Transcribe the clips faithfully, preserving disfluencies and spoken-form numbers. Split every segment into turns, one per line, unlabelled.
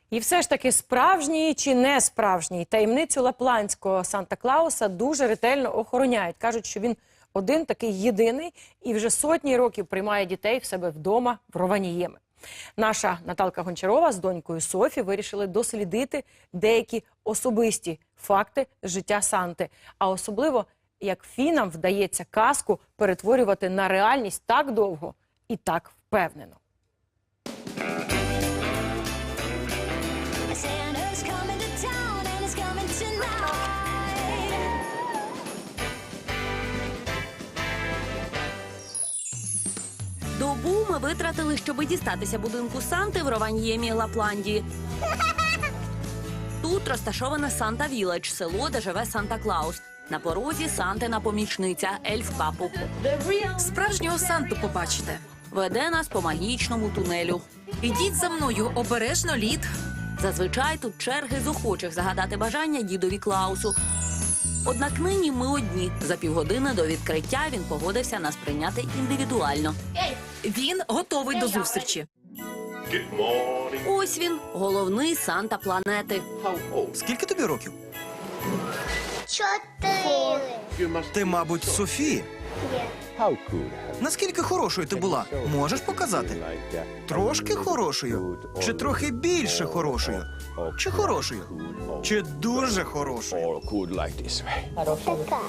І все ж таки, справжній чи не справжній, таємницю лапландського Санта-Клауса дуже ретельно охороняють. Кажуть, що він один такий єдиний і вже сотні років приймає дітей в себе вдома в Рованіємі. Наша Наталка Гончарова з донькою Софі вирішили дослідити деякі особисті факти життя Санти. А особливо, як фінам вдається казку перетворювати на реальність так довго і так впевнено.
Добу ми витратили, щоб дістатися будинку Санти в Рованіємі, Лапландії. Тут розташоване Санта-Віледж, село, де живе Санта-Клаус. На порозі Сантина помічниця Ельф Капу.
Справжнього Санту побачите.
Веде нас по магічному тунелю.
Ідіть за мною, обережно лід.
Зазвичай тут черги з охочих загадати бажання дідові Клаусу. Однак нині ми одні. За півгодини до відкриття він погодився нас прийняти індивідуально.
Він готовий до зустрічі.
Ось він, головний Санта планети.
Скільки тобі років?
Чотири.
Ти, мабуть, Софі. Наскільки хорошою ти була? Можеш показати? Трошки хорошою? Чи трохи більше хорошою? Чи хорошою? Чи дуже хорошою?
Така.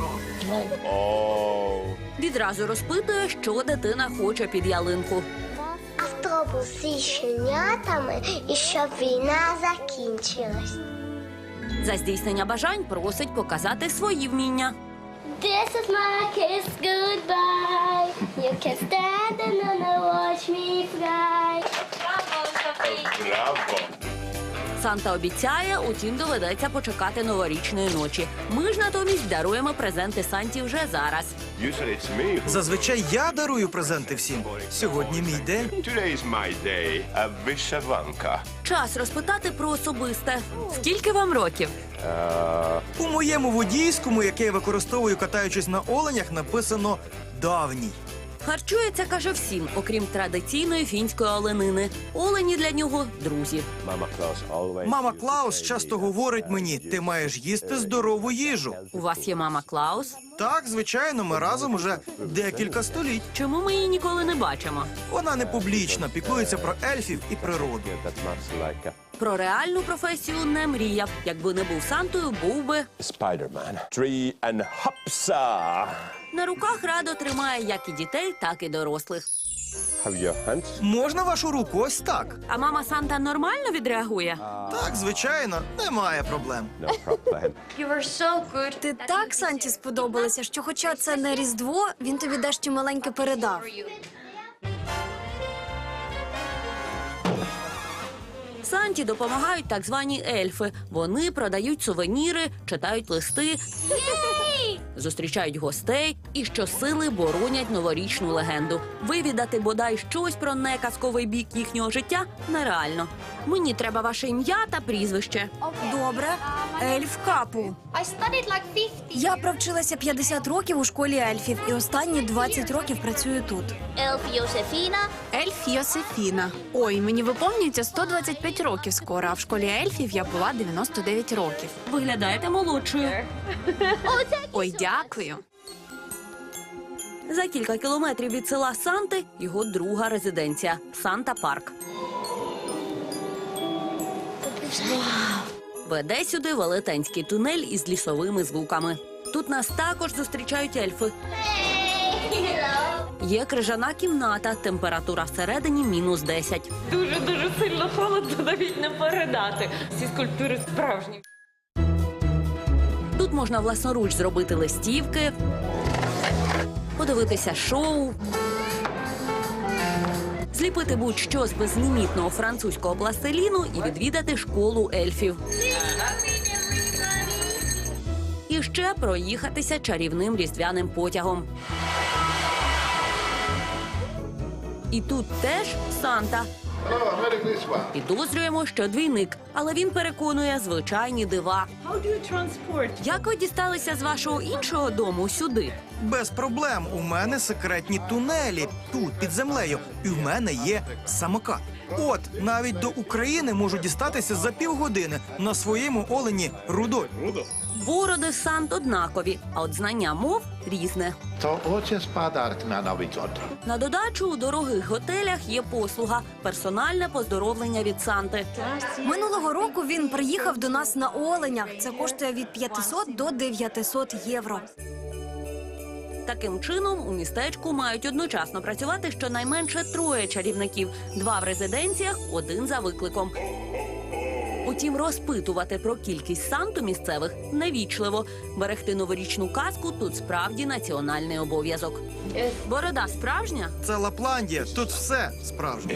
Відразу розпитує, що дитина хоче під ялинку.
Автобус зі щенятами і щоб війна закінчилась.
За здійснення бажань просить показати свої вміння.
This is my kiss goodbye. You can stand and watch me fly.
Санта обіцяє, утім доведеться почекати новорічної ночі. Ми ж натомість даруємо презенти Санті вже зараз.
Зазвичай я дарую презенти всім. Сьогодні мій день.
Today is my day, a вишиванка.
Час розпитати про особисте. Скільки вам років?
У моєму водійському, яке я використовую, катаючись на оленях, написано «давній».
Харчується, каже, всім, окрім традиційної фінської оленини. Олені для нього – друзі.
Мама Клаус часто говорить мені, ти маєш їсти здорову їжу.
У вас є мама Клаус?
Так, звичайно, ми разом уже декілька століть.
Чому ми її ніколи не бачимо?
Вона не публічна, піклується про ельфів і природу.
Про реальну професію не мріяв. Якби не був Сантою, був би...
Spider-Man. Tree and hopsa.
На руках радо тримає як і дітей, так і дорослих.
Have your hands?
Можна вашу руку ось так?
А мама Санта нормально відреагує?
Так, звичайно, немає проблем.
No problem.
Ти так Санті сподобалася, що хоча це не Різдво, він тобі дещо маленьке передав.
Санті допомагають так звані ельфи. Вони продають сувеніри, читають листи, зустрічають гостей і щосили боронять новорічну легенду. Вивідати бодай щось про неказковий бік їхнього життя нереально. Мені треба ваше ім'я та прізвище.
Добре. Ельф Капу. Я провчилася п'ятдесят років у школі ельфів і останні двадцять років працюю тут.
Ельф Йосефіна.
Ельф Йосефіна. Ой, мені виповнюється сто двадцять п'ять років скоро, а в школі ельфів я була дев'яносто дев'ять років.
Виглядаєте молодшою.
Ой, дякую.
За кілька кілометрів від села Санти його друга резиденція – Санта-парк. Веде сюди велетенський тунель із лісовими звуками. Тут нас також зустрічають ельфи. Є крижана кімната, температура всередині мінус десять.
Дуже-дуже сильно холодно, навіть не передати. Всі скульптури справжні.
Тут можна власноруч зробити листівки, подивитися шоу, зліпити будь-що з безлімітного французького пластиліну і відвідати школу ельфів. І ще проїхатися чарівним різдвяним потягом. І тут теж Санта. Підозрюємо, що двійник, але він переконує звичайні дива. Як ви дісталися з вашого іншого дому сюди?
Без проблем. У мене секретні тунелі тут, під землею. І в мене є самокат. От, навіть до України можуть дістатися за півгодини на своєму олені Рудольф.
Бороди Сант однакові, а от знання мов різне.
To ojciec Padark na Nowy Gод.
На додачу у дорогих готелях є послуга – персональне поздоровлення від Санти.
Минулого року він приїхав до нас на оленях. Це коштує від п'ятисот до дев'ятисот євро.
Таким чином, у містечку мають одночасно працювати щонайменше троє чарівників. Два в резиденціях, один за викликом. Утім, розпитувати про кількість Санту місцевих невічливо. Берегти новорічну казку тут справді національний обов'язок. Борода справжня?
Це Лапландія, тут все справжнє.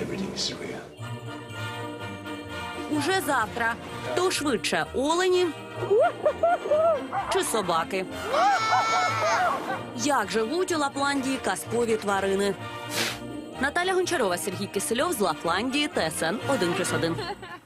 Уже завтра. Хто швидше – олені чи собаки? Як живуть у Лапландії казкові тварини? Наталя Гончарова, Сергій Кисельов з Лапландії, Т С Н один плюс один.